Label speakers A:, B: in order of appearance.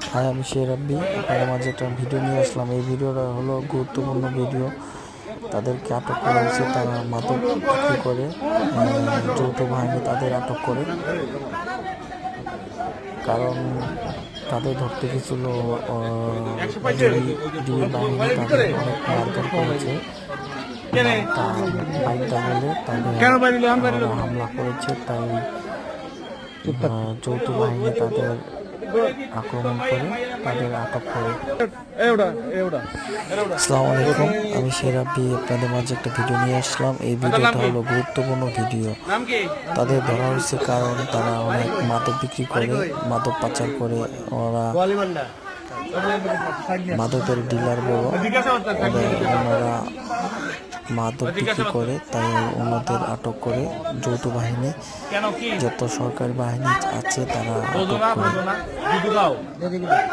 A: High, আমি শেরাব্বি। আপনাদের মাঝে একটা ভিডিও নিয়ে আসলাম। এই ভিডিওটা হলো গুরুত্বপূর্ণ ভিডিও। তাদেরকে আটক করা হয়েছে, তারা মাদক বিক্রি করে। যৌথ বাহিনী তাদের আটক করে, কারণ তাদের ধরতে গেছিল ডিবি বাহিনী। তাদের অনেক মারধর করেছে, বাইকটা গেলে তাদের হামলা করেছে। তাই যৌথ বাহিনী তাদের আক্রমণ করে, তাদের আটক করে। আসসালামু আলাইকুম, আমি শেরাব্বি। আপনাদের মাঝে একটা ভিডিও নিয়ে আসলাম। এই ভিডিওটা হলো গুরুত্বপূর্ণ ভিডিও। তাদের ধরা হয়েছে কারণ তারা অনেক মাদক বিক্রি করে, মাদক পাচার করে। ওরা মাদকের ডিলার বড়, ওনারা মাদক বিক্রি করে। তাই ওনাদের আটক করে যৌথ বাহিনী, যত সরকারি বাহিনী আছে তারা আটক করে।